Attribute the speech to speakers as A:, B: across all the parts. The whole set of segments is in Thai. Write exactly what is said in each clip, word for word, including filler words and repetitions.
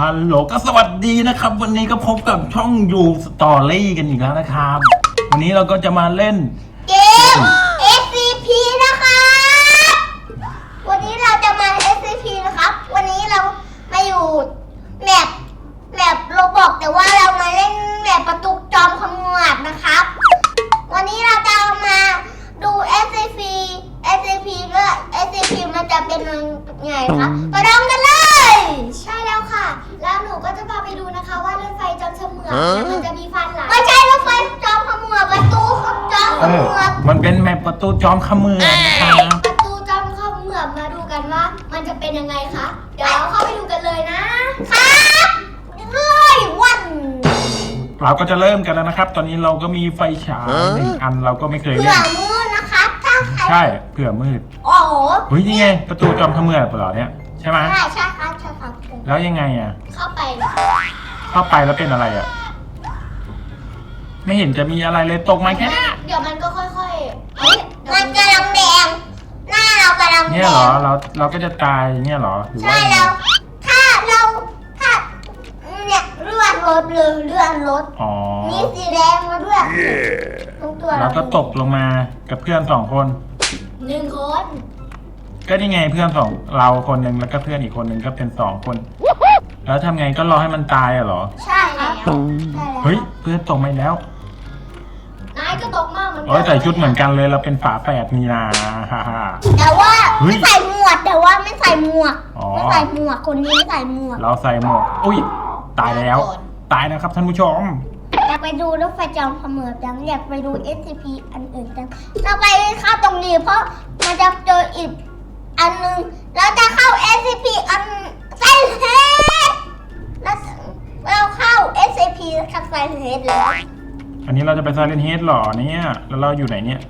A: ฮัลโหลก็สวัสดีนะครับวันนี้ก็พบกับช่องยูสตอรี่กันอีกแล้วนะครับวันนี้เราก็จะมาเล่น
B: เกม เอส ซี พี นะครับวันนี้เราจะมา เอส ซี พี นะครับวันนี้เรามาอยู่แมปแมปโรบอกแต่ว่าเรามาเล่นแมปประตูจอมขมวดนะครับวันนี้เราจะมาดู เอส ซี พี เอส ซี พี ก็ เอส ซี พี มันจะเป็นยังไงครับไปลองกันเลย
C: ใช่แล้วค่ะแล้วหนูก็จะพาไปดูนะคะว่ารถไฟจอมเฉมือนมันจะมีฟันหลาย
B: ไม่ใช่รถไฟจอมขมวดประตูจอมขมวด
A: มันเป็นแมปประตูจอมขมือนะครับ
C: ประตูจอมเฉมือนมาดูกันว่ามันจะเป็นยังไงคะเดี๋ยวเราเข้าไปดูกันเลยนะครับ
B: เลยวัน
A: เราก็จะเริ่มกันแล้วนะครับ ตอนนี้เราก็มีไฟฉายหนึ่งอันเราก็ไม่เคย
B: เผื่
A: เล่
B: อน มือนะครับถ้าใคร
A: ใช่เผื่อมืด
B: โอ้โห
A: เฮ้ยนี่ไงประตูจอมขมือเปล่าเนี่ยใช่ไหม
B: ใช่ใช่ครับใช่ครับ
A: แล้วยังไงอ่ะ
C: เข้าไป
A: เข้าไปแล้วเป็นอะไรอ่ะไม่เห็นจะมีอะไรเลยตกมาแค่นี้
C: เดี๋ยวมันก็ค่อยๆเฮ้ย
B: มันกำลังแดงหน้าเรากำลังแด
A: เนี่ยเหรอง เราเราก็จะตายเนี่ยเหรอหรือ
B: ใช่
A: ว่า
B: แล้วถ้าเราถ้าเนี่ยเลื่อนรถเลยเลื่อนรถ
A: อ๋อ
B: นี่สีแดงมาด้วยตรงตัว
A: เราก็ตกลงมากับเพื่อนสองคน
C: หนึ่งคน
A: ก็นี่ไงเพื่อนสองเราคนหนึ่งแล้วก็เพื่อนอีกคนหนึ่งก็เป็นสองคน แล้วทำไงก็รอให้มันตายอะเหรอ
B: ใช่แล้วใช่แล้ว
A: เฮ้ยเพื่อนตกมาแล้ว
C: นายก็ตกมากเหมือนกั
A: โอ้ยใส่ชุดเหมือนกันเลยเราเป็นฝาแฝดนี่นะฮ่าฮ่า
B: แต่ว่า
A: เฮ้ย
B: ไม่ใส่หมวกแต่ว่าไม่ใส่หมวก
A: อ๋อ
B: ไม่ใส่หมวกคนนี้ไม่ใส่หมวก
A: เราใส่หมวกอุ้ยตายแล้ว ตายนะครับท่านผู้ชม
B: อยากไปดูรถไฟจอมขมือจังอยากไปดู เอส ซี พี อันอื่นจังเราไปเข้าตรงนี้เพราะมันจะเจออีกอันนึงแล้วจะเข้า เอส ซี พี อันไซเฮดแล้วเราเข้า เอส ซี พี กับไซเฮดแล้ว
A: อันนี้เราจะไปซาเลนเฮดหรอเนี่ยแล้วเราอยู่ไหนเนี่ย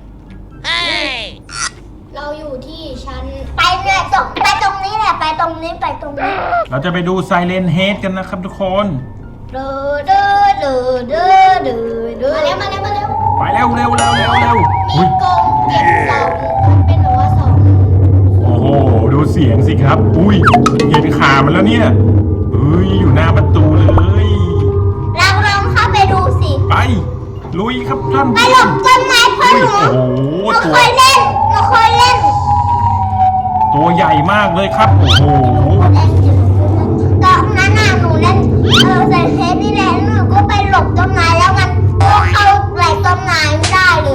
C: เราอยู่ที่ชั้น
B: ไปเนี่ยตรงไปตรงนี้แหละไปตรงนี้ไปตรงนี้
A: เราจะไปดูไซเลนเฮดกันนะครับทุกคน
B: เด้อเด้อเด้อเด้อเด้อเด้อ
C: มาแล้วมาแล้วมาแล้ว
A: ไปเร็วเร็วเร็วเร็วเร็ว
C: มี
A: อุ้ย
C: กรงเก็บเสาเป็นแบบว่าเสา
A: โอ้โหดูเสียงสิครับอุ้ยเห็นขามันแล้วเนี่ยเฮ้ยอยู่หน้าประตูเลย
B: เราลองเข้าไปดูสิ
A: ไปลุยครับท่าน
B: ไป
A: ผู้
B: หล
A: ช
B: บ
A: ม
B: ต้นไม้พ่อ
A: อุ้ย
B: หนู
A: โอ้โห
B: หนู
A: ตัว
B: เคยเล่นหนูเคยเล่น
A: ตัวใหญ่มากเลยครับโอ้โห
B: ตอนนั้นน่ะหนูเล่นเออใส่เทปนี่แหละหนูก็ไปหลบต้นไม้แล้วมันก็เข้าไหลต้นไม้ไม่ได้เลย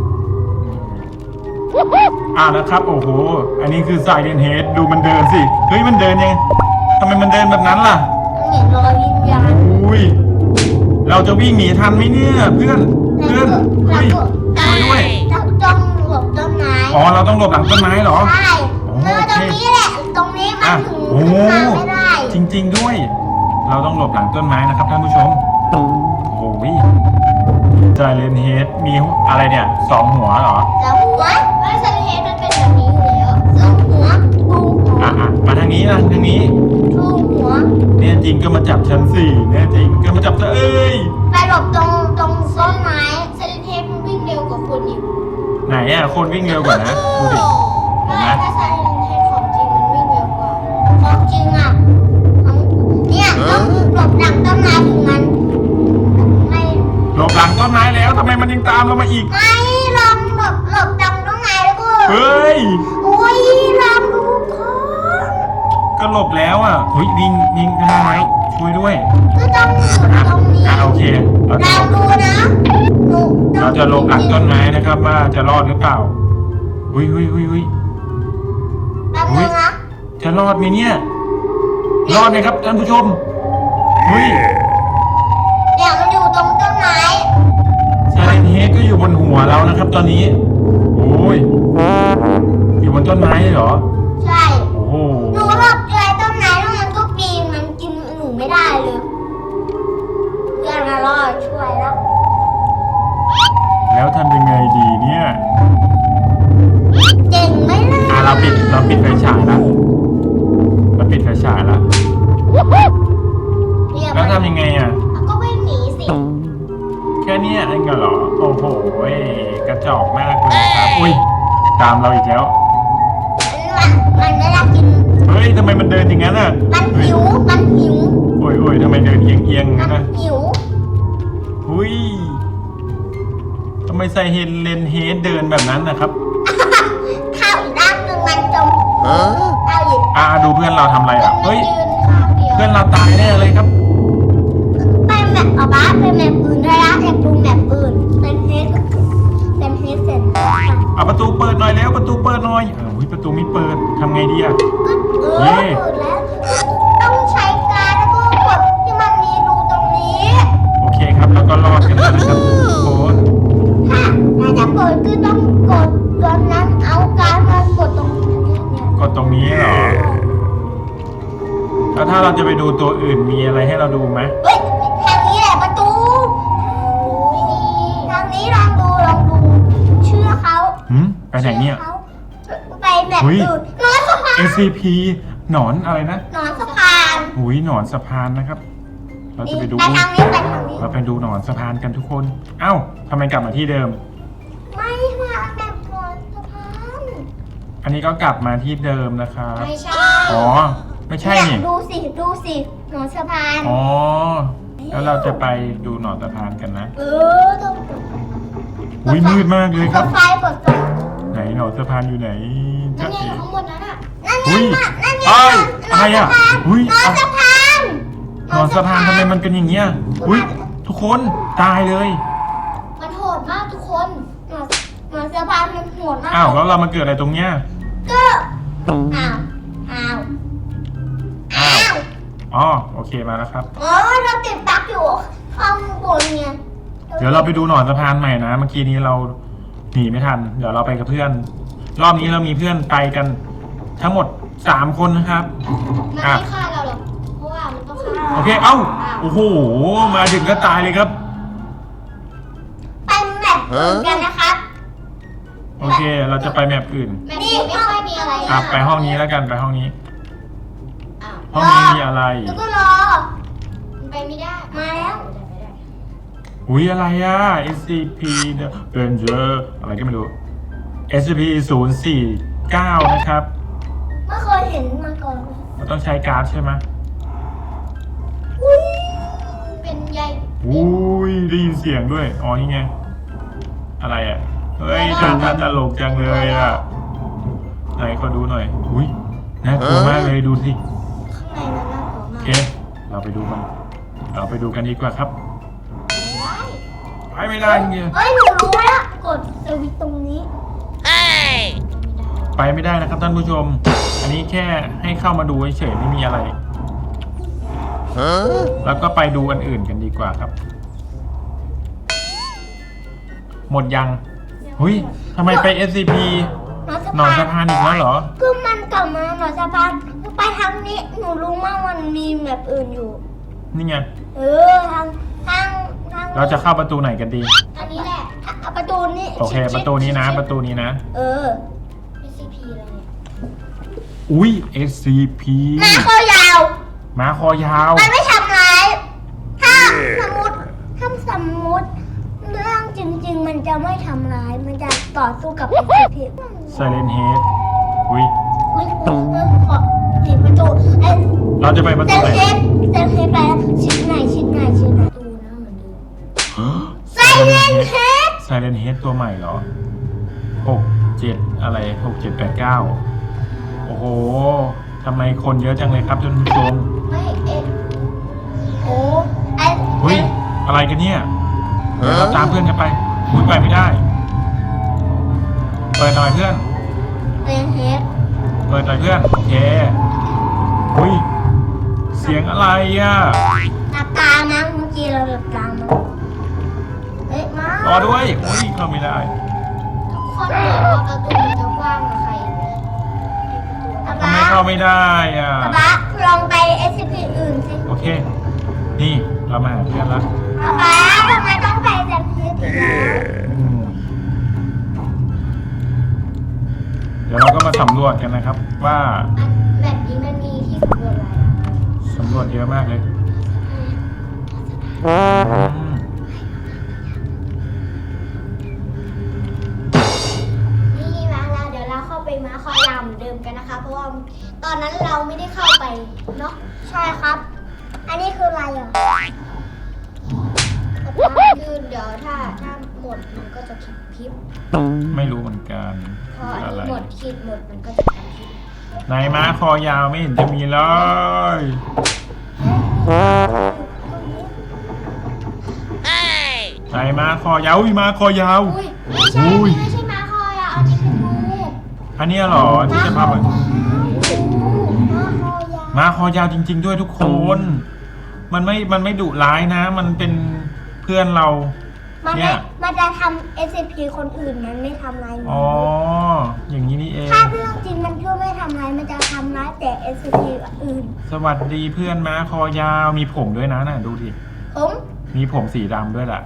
A: อ่านะครับโอ้โหอันนี้คือไซเลนเฮดดูมันเดินสิเฮ้ยมันเดินยังไงทำไมมันเดินแบบนั้นล่ะ
B: มันเห็นรอยวิญญาณ
A: อุ้ยเราจะวิ่งหนีทันไหมเนี่ยเพื่อนเพื่อน
B: เรา
A: เฮ้ย
B: ก็
A: ช่วยด้วย
B: เราต้องหลบต้นไม้
A: อ๋อเราต้องหลบหลังต้นไม้เหรอ
B: ใช่
A: โอ้
B: เออ
A: โอ
B: ต
A: เค
B: รงนี้แหละตรงนี้มัน
A: อ่ะ
B: ถึง
A: โอ้
B: ขึ้นมาไม่ได้
A: จริง ๆด้วย เราต้องหลบหลังต้นไม้นะครับท่านผู้ชมโอ้โหไซเลนเฮดมีอะไรเนี่ยสองหัวเหรอ
B: แล้วหัว
C: ไม่ใช่เฮดมันเป็นแบบนี้อยู่แล้ว
B: แล้วหัวดูหัว
A: อ่ะอ่ะมาทางนี้นะทางนี้
B: ดูหัว
A: เนี่ยจริงก็มาจับชั้นสี่เนี่ยจริงก็มาจับซะเอ้ย
B: ไปหลบตรงตรงต้นไม้
C: เซเลนเฮดมันวิ่งเร็วกว่าคนอีก
A: ไหนอ่ะคนวิ่งเร็วกว่านะดูดิเห็น
C: ไม่
A: ไหม
C: ถ้าเซเลนเฮดของจริงมันวิ่งเร็วกว่า
B: ของจริงอ่ะของเนี่ยต้องหลบหลังต้นไม้ถึงมันไม่
A: หลบหลังต้นไม้แล้วทำไมมันยังตามเรามาอีก
B: ไม่ลองหลบหลบหลังต้นไม้แล้วก็
A: เฮ้ย
B: โอ้ยลองดูก่อน
A: ก็หลบแล้วอ่ะเฮ้ยวิ่งวิ่งได้แล้วช่วยด้วย
B: ก็ต้องหลบ
A: อ่ะ
B: ตรงนี้
A: อ่ะโอเคเราจะ
B: ลองดูนะหนู
A: เราจะหลบหลังต้นไม้นะครับว่าจะรอดหรือเปล่าหุยหุยหุยหุย
B: แป๊บนึงนะ
A: จะรอดไหมเนี่ย รอดไหมครับท่านผู้ชมหุย
B: เดี๋ยวมันอยู่ตรงต้นไม้
A: ไซเลนเฮดก็อยู่บนหัวเรานะครับ ตอนนี้โอ้ยอยู่บนต้นไม้เลยเหรอ
B: ใช่
A: โอ้โห
B: หนูหลบใจต้นไม้แล้วมันก็ปีนมันกินหนูไม่ได้เลยเพื่อนมารอดช่วยแล้ว
A: แล้วทำยังไงดีเนี่ย
B: เก่งไหมล่ะ
A: อ่ะเราปิดเราปิดไฟฉายแล้วเราปิดไฟฉายแล้ว
B: เนี่ย
A: แล้วทำยังไงอ่ะ
C: ก็วิ่งหนีสิ
A: แค่เนี้ยเองเหรอโอ้โหกระจอกมากเลยครับอุ้ยตามเราอีกแล้ว
B: มันมันไม่ได้กิน
A: เฮ้ยทำไมมันเดินอย่างนั้นอ่ะ
B: มันหิวมันหิว
A: โอ้อ้ยโอ้ยทำไมเดินเอียงเอียงๆงั้นนะ
B: หิว
A: หุยทำไมใส่เฮนเลนเฮดเดินแบบนั้นนะครับ
B: ข้าวอีกด้านหนึ่งมันจมเอาอีก
A: อ่าดูเพื่อนเราทำอะไรอ่ะ
C: มัน
A: เฮ้ย
C: ยืนข้างเดียว
A: เพื่อนเราตายแน่เลยครับ
B: ไปแมปเอาบ้าไปแมปอื่นได้ละอยากดูแมปอื่นเป็นเฮดเป็นเฮดเสร็จ
A: เอาประตูเปิดหน่อยแล้วประตูเปิดหน่อยอ้าวเฮ้ยประตูไม่เปิดทำไงดีอ่ะ
B: เออเปิดแล้ว ต้องใช้การแล้วก็กดที่มันมีรูตรงนี้
A: โอเคครับแล้วก็รอดกันแล้วนะครับทุกคน
B: ถ้าถ้าจะเปิดก็ต้องกดตอนนั้นเอาการมากดตรงนี้เนี่ย
A: กดตรงนี้เหรอ แล้วถ้าเราจะไปดูตัวอื่นมีอะไรให้เราดูไหม
B: เฮ้ยทางนี้แหละประตูไม่มีทางนี้ลองดูลองดูเชื่อเขา
A: หืมไปไหนเนี่ย
B: ชื่อขาไปแบบ
A: เฮ้ย
B: อื่นนอนสะพาน
A: เอ ซี พี หนอนอะไรนะ
B: นอนสะพาน
A: หุยหนอนสะพานนะครับ เราจะไปดู
B: ไปทางนี้ไปทางนี้
A: เราไปดูหนอนสะพานกันทุกคน เอ้าทำไมกลับมาที่เดิม
B: ไม่มาแบบนอนสะพาน
A: อันนี้ก็กลับมาที่เดิมนะครับ
C: ไม่ใช่
A: อ๋อ ไม่ใช่
B: เนี่
A: นี่
B: ยดูสิดูสินอนสะพาน
A: อ๋อ แล้วเราจะไปดูหนอนสะพานกันนะ
B: เออต้องกด
A: อุ้ยมืดมากเลยค
B: ก
A: รับ
B: ดไฟกดไฟ
A: ไหนหนอนสะพานอยู่ไหน
C: นั่
A: จ๊ะ
C: นไง
A: เอ๋
C: ข้างบนนั้นอ่ะ
B: นั่นไง
A: อุ้ย
B: มานั่นไง
A: เอ้ย
B: น
A: อะไรอ่ะ
B: สพาน
A: อุ้ย
B: นอนสะพาน
A: หนอนสะพานทำไมมันเป็นอย่างเงี้ย อุ้ยทุกคนตายเลย
C: มันโหดมากทุกคน
B: นอนนอนสะพานมันโหดมาก
A: อ้าวแล้วเรามาเกิดอะไรตรงเนี้ย
B: ก็อ้าวอ้าวอ้าว
A: อ๋อโอเคมาแล้วครับ
B: อ๋อเราติดบั๊กอยู่ข้างบนเนี่ย
A: เดี๋ยวเราไปดูหนอนสะพานใหม่นะ เมื่อกี้นี้เราหนีไม่ทัน เดี๋ยวเราไปกับเพื่อน รอบนี้เรามีเพื่อนไปกัน ทั้งหมดสามคนนะครับ
C: มัน
A: อ่ะ
C: ไม่ฆ่าเราหรอก เพราะว่ามันต้องฆ่า
A: โอเค เอ้า โอ้โห มาถึงก็ตายเลยครับ
B: ไปแมปอื่นกันนะครับ
A: โอเค เราจะไปแมปอื่น
C: แบบนี้ไม่ค่อยมีอะไร
A: อ่ะไปห้องนี้แล้วกัน ไปห้องนี้
C: อ้าว
A: ห้องนี้มีอะไร
B: แล้วก็รอ
C: มันไปไม่ได้
B: มาแล้ว
C: ไปได้
A: อุ้ยอะไรอ่ะ เอส ซี พี Ranger อะไรก็ไม่รู้ เอส ซี พี ศูนย์สี่เก้านะครับ
B: ไม่เคยเห็นมาก่อนเลย
A: เราต้องใช้การ์ดใช่ไหม
B: อุ้ย
C: เป็นใย
A: อุ้ยได้ยินเสียงด้วย อ๋อ นี่ไง อะไรอ่ะ เฮ้ยทำท่าตลกจังเลยอ่ะ ไหนขอดูหน่อย อุ้ยน่ากลัวมากเลยดูสิ
B: ข้างในมันน่ากลัว
A: โอ
B: มาก
A: เค เราไปดูกัน เราไปดูกันดีกว่าครับ ไปไม่ได้เงี้ย
B: เอ้ยหนูรู้แล้วกดสวิตช์ตรงนี้
A: ไปไม่ได้นะครับท่านผู้ชม อันนี้แค่ให้เข้ามาดูเฉยๆไม่มีอะไร แล้วก็ไปดูอันอื่นกันดีกว่าครับ หมดยังหุยทำไมไป เอส ซี พี
B: นอนสะ
A: หนอน
B: พา
A: สะ
B: น
A: พานอีกแล้วเหรอ
B: คือมันกลับมาหนอนสะพานไปทางนี้หนูรู้มากมันมีแบบอื่นอยู่
A: นี่ไง
B: เออทางทางทาง
A: เราจะเข้าประตูไหนกันดี
C: อันนี้แหละ
B: อ่ะประตูนี้
A: โอเค ประตูนี้นะ ประตูนี้นะ
B: เออ
C: เอส ซี พี อะไรเนี่ย
A: อุ้ย เอส ซี พี
B: มาคอยาว
A: ม้าคอยาว
B: มันไม่ทำร้าย ถ้าสมมติถ้าสมมติเรื่องจริง ๆ มันจะไม่ทำร้าย มันจะต่อสู้กับ เอส ซี พี
A: ไซเลนเฮดอุ้ย
B: อุ้ยเออขอปิดประตูไอ้
A: เราจะไปประ
B: เซ
A: ตู
B: น
A: ไหน
B: เฮดเซนเฮดไปแล้วชิ้นไหนชิ้นไหนชิ้นไหน
C: ดูนะเหมือนเดิม
B: ไซเลนเฮด
A: ไซเลนเฮดตัวใหม่เหรอหกเจ็ดอะไรหกเจ็ดแปดเก้าโอ้โหทำไมคนเยอะจังเลยครับท่านผู้ชม
C: ไม่เอ็ด
B: โอ้ไอ้
A: อุ้ย อะไรกันเนี่ย เดี๋ยวเราตามเพื่อนกันไปอุ้ยไปไม่ได้ เปิดหน่อยเพื่อน
B: เซนเฮด
A: เปิดหน่อยเพื่อน โอเค อุ้ย เสียงอะไรอ่ะ
B: หลับตามั้งเมื่อกี้เราหลับตามั้งเฮ้ยมาร
A: อด้วยอุ้ยเข้าไม่ได้
C: ทุกคนเห็นว่าประตูมันจะกว้างกับใคร
B: ป๊า
A: ทำ
B: ป๊า
A: ไมเข้าไม่ได้อ่ะ
B: ป๊าป๊าลองไป เอส ซี พี อื่นสิ
A: โอเค นี่เรามาหาเพื่อนแล้ว
B: ป๊าป๊าทำไมต้องไปเซนเฮดอีกแล้ว
A: อืมเดี๋ยวเราก็มาสำรวจกันนะครับ ว่า
C: อันแบบนี้มันมีที่สำรวจอะไรอะ
A: สำรวจเยอะมากเลยอืม
C: นี่มาแล้วเดี๋ยวเราเข้าไปม้าคอยาวเหมือนเดิมกันนะคะ เพราะว่าตอนนั้นเราไม่ได้เข้าไปเนาะ
B: ใช่ครับ
A: ใ
B: อันนี้คืออะไรอ่ะ
C: คือเดี๋ยวถ้าถ้าหมดมันก็จะพริบ
A: ไม่รู้เหมือนกัน
C: พออัน
A: อะไร
C: นี้หมดขีดหมดมันก็จะพริบ
A: ไหนม้าคอยาวไม่เห็นจะมีเลยไหนม้าคอยาวอุ้ยม้าคอยาว
C: อุ้ยไม่ใช่
A: อุ้ย
C: ไม่ใช่ม้าคอยอ่ะอันนี้เป็นงู
A: อันเนี้ยเหรอที่จะพาไป
B: ม้าคอยาว
A: ม้าคอยาวจริง ๆ ด้วยทุกคน มันไม่มันไม่ดุร้ายนะ มันเป็นเพื่อนเรา
B: มัน
A: เนี่
B: ไม่
A: ย
B: มันจะทำ เอส ซี พี คนอื่นมันไม่ทำร้ายมัน
A: อ๋ออย่างนี้นี่เอง
B: ถ้าเรื่องจริงมันก็ไม่ทำร้ายมันจะทำร้ายแต่ เอส ซี พี อื่น
A: สวัสดีเพื่อนม้าคอยาวมีผมด้วยนะน่ะดูดิ
B: ผม
A: มีผมสีดำด้วยแหละ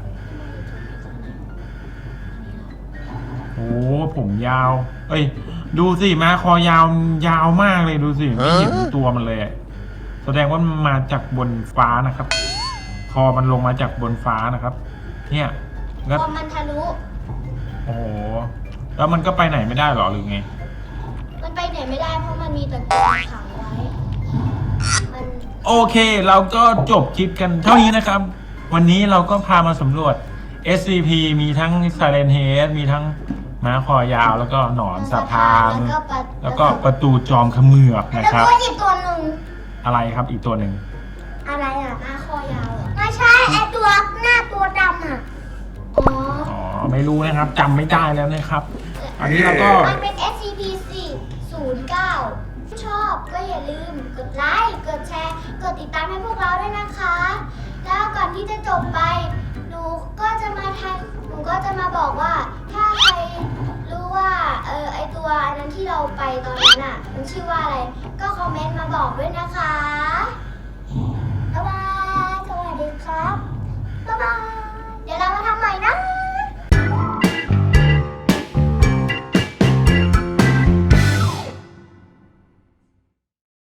A: โอ้ผมยาว เอ้ย ดูสิม้าคอยาวยาวมากเลยดูสิไม่เห็นตัวมันเลยอะแสดงว่ามันมาจากบนฟ้านะครับ คอมันลงมาจากบนฟ้านะครับ เนี่ย
C: พ
A: แล้ว
C: อมันทะลุ
A: โอ้โหแล้วมันก็ไปไหนไม่ได้หรอหรือไง
C: มันไปไหนไม่ได้เพราะมันมีตะกรุดขังไว้ มัน
A: โอเค เราก็จบคลิปกันเท่านี้นะครับ วันนี้เราก็พามาสำรวจ เอส ซี พี มีทั้ง Silent Head มีทั้งม้าคอยาวแล้วก็หนอนสะพาน
C: แล้วก็ปะ
A: แล้วก็ประตูจอมเขมือบนะ
B: แล้ว
A: ครับ
B: ก็อีกตัวหนึ่ง
A: อะไรครับอีกตัวหนึ่ง
B: อะไรอ่ะ
C: ม้าคอยาวเหรอ
B: ไม่ใช่ไอตัวหน้าตัวดำอ่ะ
C: อ๋อ
A: อ๋อไม่รู้นะครับจำไม่ได้แล้วนะครับ อันนี้เราก็
C: มันเป็น เอส ซี พี สี่ศูนย์เก้า ชอบก็อย่าลืมกดไลค์ กดแชร์ กดติดตามให้พวกเราด้วยนะคะ แล้วก่อนที่จะจบไป หนูก็จะมาทายหนูก็จะมาบอกว่า ถ้าใครรู้ว่าเออไอตัวอันนั้นที่เราไปตอนนั้นอ่ะ มันชื่อว่าอะไร ก็คอมเมนต์มาบอกด้วยนะคะ